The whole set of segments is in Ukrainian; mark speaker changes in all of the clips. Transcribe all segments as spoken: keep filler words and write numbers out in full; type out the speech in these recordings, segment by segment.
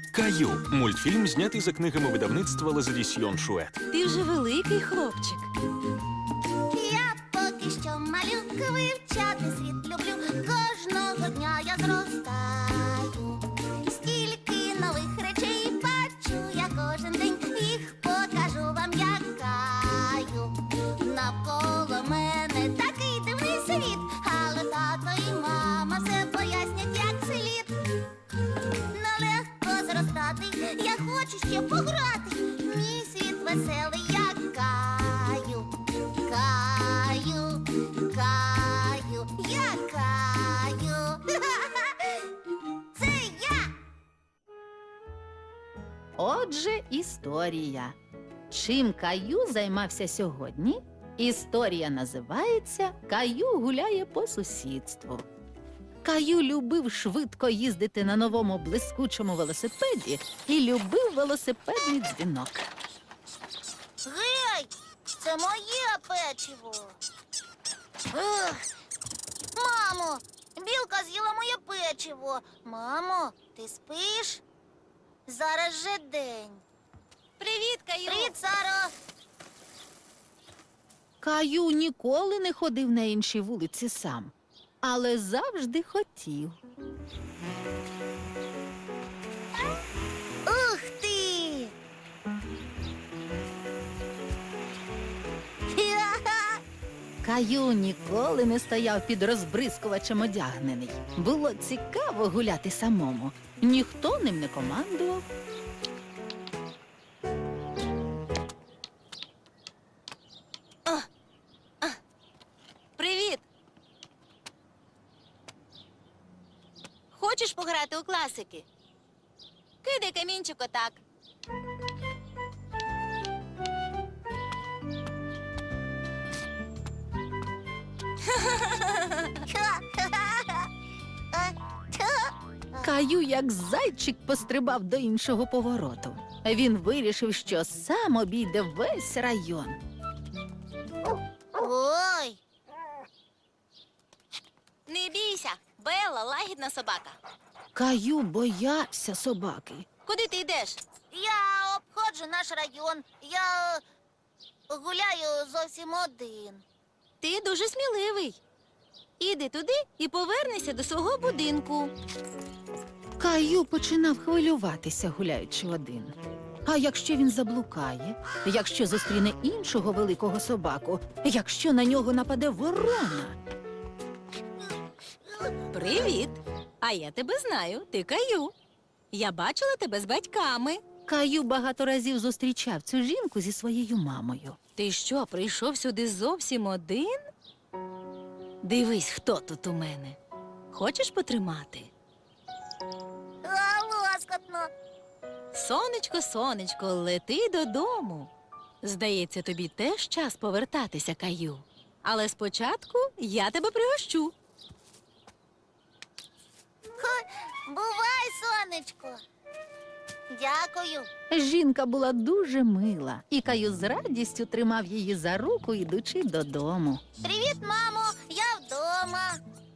Speaker 1: Каю – мультфільм, знятий за книгами видавництва Лазадісьйон Шует.
Speaker 2: Ти вже великий хлопчик.
Speaker 3: Я поки що малюка, вивчати світ люблю. Кожного дня я зростаю. Стільки нових речей бачу я кожен день. Їх покажу вам, як Каю. Навколо мене такий дивний світ, але тато і мама все пояснять, як слід. Нелегко зростати, я хочу ще пограти. Мій світ веселий, як Каю. Каю, Каю, я Каю. Це я.
Speaker 2: Отже, історія. Чим Каю займався сьогодні? Історія називається «Каю гуляє по сусідству». Каю любив швидко їздити на новому блискучому велосипеді і любив велосипедний дзвінок.
Speaker 3: Гей, це моє печиво. Ех. Мамо, білка з'їла моє печиво. Мамо, ти спиш? Зараз же день.
Speaker 2: Привіт, Каю!
Speaker 3: Привіт, Саро.
Speaker 2: Каю ніколи не ходив на інші вулиці сам, але завжди хотів.
Speaker 3: Ух ти! Ха-ха!
Speaker 2: Каю ніколи не стояв під розбризкувачем одягнений. Було цікаво гуляти самому. Ніхто ним не командував.
Speaker 4: Привіт! Хочеш пограти у класики? Кидай камінчик отак.
Speaker 3: Ха-ха-ха! А, та.
Speaker 2: Каю, як зайчик, пострибав до іншого повороту. Він вирішив, що сам обійде весь район.
Speaker 3: Ой,
Speaker 4: Не бійся, Белла лагідна собака.
Speaker 2: Каю боявся собаки.
Speaker 4: Куди ти йдеш?
Speaker 3: я обходжу наш район. Я гуляю зовсім один.
Speaker 4: Ти дуже сміливий. Іди туди і повернися до свого будинку.
Speaker 2: Каю починав хвилюватися, гуляючи один. А якщо він заблукає? Якщо зустріне іншого великого собаку? Якщо на нього нападе ворона?
Speaker 4: Привіт! А я тебе знаю, ти Каю. Я бачила тебе з батьками.
Speaker 2: Каю багато разів зустрічав цю жінку зі своєю мамою.
Speaker 4: Ти що, прийшов сюди зовсім один? Дивись, хто тут у мене. Хочеш потримати?
Speaker 3: А, лоскотно.
Speaker 4: Сонечко, сонечко, лети додому. Здається, тобі теж час повертатися, Каю. Але спочатку я тебе пригощу.
Speaker 3: Ха, бувай, сонечко. Дякую.
Speaker 2: Жінка була дуже мила, і Каю з радістю тримав її за руку, ідучи додому.
Speaker 3: Привіт, мамо, я вдома.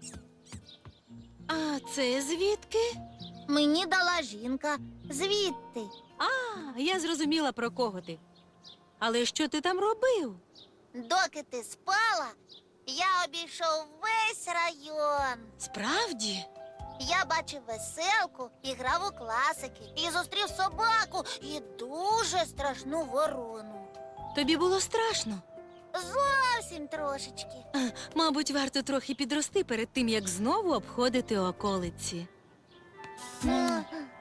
Speaker 4: А це звідки?
Speaker 3: Мені дала жінка. Звідти.
Speaker 4: А, я зрозуміла, про кого ти. Але що ти там робив?
Speaker 3: Доки ти спала, я обійшов весь район.
Speaker 4: Справді?
Speaker 3: Я бачив веселку і грав у класики. І зустрів собаку і дуже страшну ворону.
Speaker 4: Тобі було страшно?
Speaker 3: Зовсім трошечки.
Speaker 4: Мабуть, варто трохи підрости перед тим, як знову обходити околиці.
Speaker 3: Е,